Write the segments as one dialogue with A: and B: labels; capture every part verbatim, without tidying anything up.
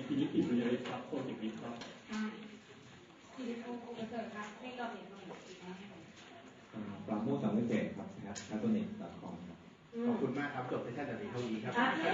A: พินิจพิจารณาครับโปรเจกต์นี้ครับ
B: สิริพงศ์อุปเสริฐครับให้เราเห็นหน่อย
C: ปราโมทสังเวชเศษครับแพทย์แพทย์ตัวเน็ตดอทคอมครับ
D: ขอบคุณมากครับจบเซสชั่นแบบนี้เท่านี้ครับ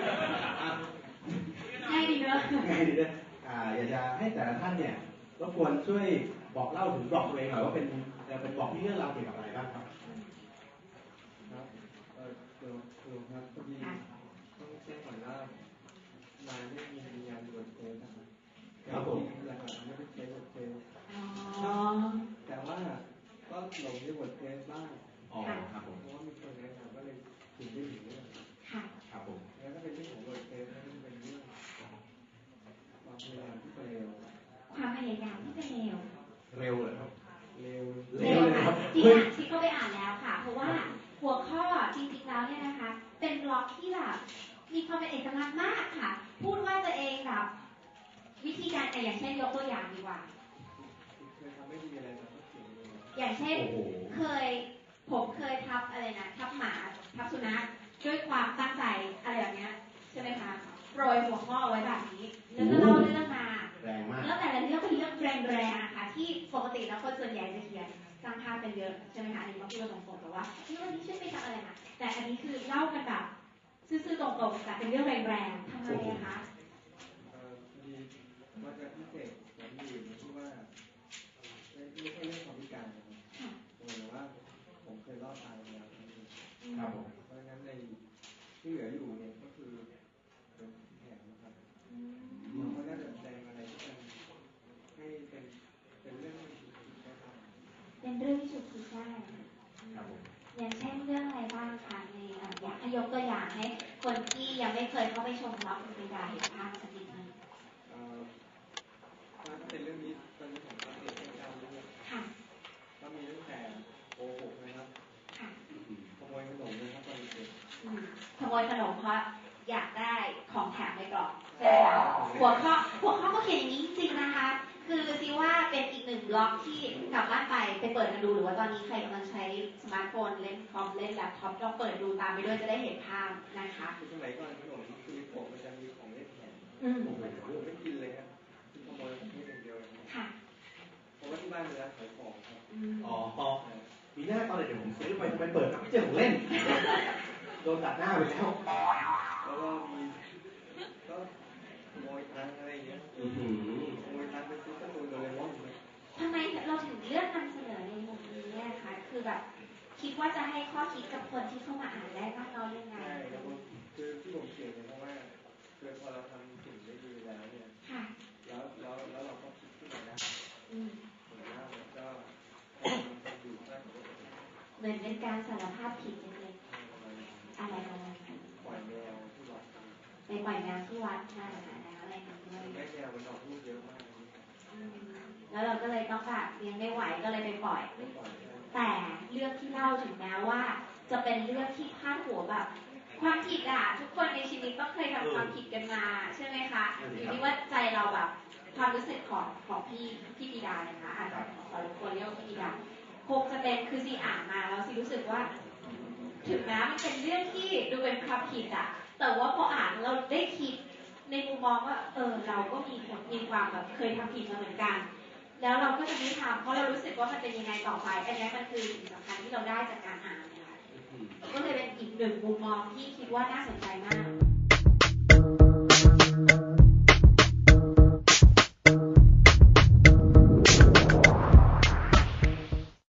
B: ง่ายดีเนอะ
D: ง่ายดีเนอะอยากจะให้แต่ละท่านเนี่ยรบกวนช่วยบอกเล่าถึงบล็อกตัวเองหน่อยว่าเป็นเป็นบล็อกที่เรื่องราวเกี่ยวกับอะไรบ้างครับ
E: ครับเออเดี๋ยวคือครับพอดีต้องแจ้งก่อนว่ามาไม่มีมีงานบนเทปนะครับ
D: ครับผม
E: หลักๆไม่ได้ใช้บนเทป
B: อ๋อ
E: แต่ว่าก็หลงในบทเทปบ้าง
D: อ๋อครับผม
E: เพราะว่ามีคนแนะนำก็เลยถึงได้ถึงเรื่อง
B: ค่ะ
D: ครับผม
E: แล้วก็เป็นเรื่องของบทเทปแล้วก็เป็นเรื่องความพยายามที่จะเร็ว
B: ความพยายามที่จะเร็ว
D: เร็วเลยครับ
E: เร็ว
B: เร็วค่ะที่อ่านที่ก็ไปอ่านแล้วค่ะเพราะว่าหัวข้อจริงๆแล้วเนี่ยนะคะเป็นบล็อกที่แบบมีความเป็นเอกลักษณ์มากค่ะพูดว่าตัวเองแบบวิธีการอย่างเช่นยกตัวอย่างดีกว่า
E: เคยทำไม่ดีอะไรแต่ก็เขียนเอง
B: อย่างเช่นเคยผมเคยทับอะไรนะทับหมาทับสุนัขด้วยความตั้งใจอะไรแบบนี้ใช่ไหมคะโปรยหัวข้อไว้แบบนี้แล้วก็เล่าเรื่องมา
D: แรงมาก
B: แล้วแต่ละเรื่องเป็นเรื่องแรงๆค่ะที่ปกติแล้วคนส่วนใหญ่จะเขียนสร้างภาพกันเยอะใช่ไหมคะอันนี้มาพูดตรงๆแต่ว่าวันนี้ช่วยไปทำอะไรนะแต่อันนี้คือเล่ากันแบบซื่อๆตรงๆแต่เป็นเรื่องแรงๆทำไมนะคะ
E: เอ่อพอดีว่าจะพิเศษอย่างอื่นที่ว่าไม่ไม่ใช่เรื่องความพิการนะครับแต่ว่าผมเคยรอดตายมาแล้ว
D: ครับผม
E: เพราะฉะนั้นในที่เหลืออยู่เนี่ยก็คือเป็นแผนนะครับเราก็น่าจะแสดงอะไรที่มันให้เป็นเป็นเรื่องที่ถูกคิดนะครับ
B: เป็นเรื่องที่ถูกคิดได้อย่างเช่นเรื่องอะไรบ้างคะในอยากให้ยกตัวอย่างให้คนที่ยังไม่เคยเข้าไปชมบล็อกคุณปิดาเห็นภาพสักนิดนึง
E: ถ้าเป็นเรื่องนี้ตอนนี้ของตัวเองเป็นการเรื่องก็มีตั้งแต่โกหกนะครับขโมยขนมนะครับตอนเด็ก
B: ขโมยขนมเพราะอยากได้ของแถมในกล่องใช่ไหมคะหัวข้อหัวข้อก็เขียนอย่างนี้จริงๆนะคะคือซีว่าเป็นอีกหนึ่งบล็อกที่กลับบ้านไปไปเปิดกันดูหรือว่าตอนนี้ใครกำลังใช้สมาร์ทโฟนเล่นคอมเล่นแล็ปท็อปลองเปิดดูตามไปด้วยจะได้เห็นภาพนะคะ
E: คือสมัยก่อนขนมคือผมมันจะมีของเล่นแถมผมไม่ไม่กินเลยครับคือขโมยแค่อย่างเดียว
B: ค่ะ
E: เพราะว่าที่บ้านเป็นร้านขายของครับ
D: อ๋อมีหน้าตอนเด็กผมซื้อไปทำไมเปิดไม่เจอของเล่นโดนตัดหน้าไปแล้ว
E: แล้วก็มีก็ขโมยตังอะไรอย่างเงี้ยขโมยตังไปซื้อการ์ตูนโดเรมอน
B: ทำไมเราถึงเลือกนำเสนอในมุมนี้เนี่ยคะคือแบบคิดว่าจะให้ข้อคิดกับคนที่เข้ามาอ่านได้บ้างน้อยยังไง
E: ใช่แล้วคือที่ผมเขียนเนี่ยเพราะว่าคือพอเราทำสิ่งได้ดีแล้วเนี่ยแล้วแล้วแล้วเราก็คิดขึ้นมาได้ผมว่ามันก็มันอยู่ได้
B: เหมือนเป็นการสารภาพผิดเล็กๆอะไรประมาณนั้น
E: ปล่อยแมวที่วัด
B: ไปปล่อยแมวที่วัดนั่นแหละอะไรอย่างเงี้ย
E: แม่แมวมันออกลูกเยอะมาก
B: แล้วเราก็เลยต้องแบบเลี้ยงไม่ไหวก็เลยไปปล่อยแต่เรื่องที่เล่าถึงแม้ว่าจะเป็นเรื่องที่พาดหัวแบบความผิดอ่ะทุกคนในชีวิตต้องเคยทำความผิดกันมาใช่ไหมคะอยู่ที่ว่าใจเราแบบความรู้สึกของของพี่พี่ปีดาเนี่ยนะอาจจะขอรบกวนเรียกว่าพี่ปีดาคงจะเป็นคือซีอ่านมาแล้วซีรู้สึกว่าถึงแม้มันเป็นเรื่องที่ดูเป็นความผิดอ่ะแต่ว่าพออ่านเราได้คิดในมุมมองว่าเออเราก็มีมีความแบบเคยทำผิดมาเหมือนกันแล้วเราก็จะไม่ทำเพราะเรารู้สึกว่ามันเป็นยังไงต่อไปอันนี้มันคือสิ่งสำคัญที่เราได้จากการอ่านนะคะก็เลยเป็นอีกหนึ่งมุมมองที่คิดว่าน่าสนใจมาก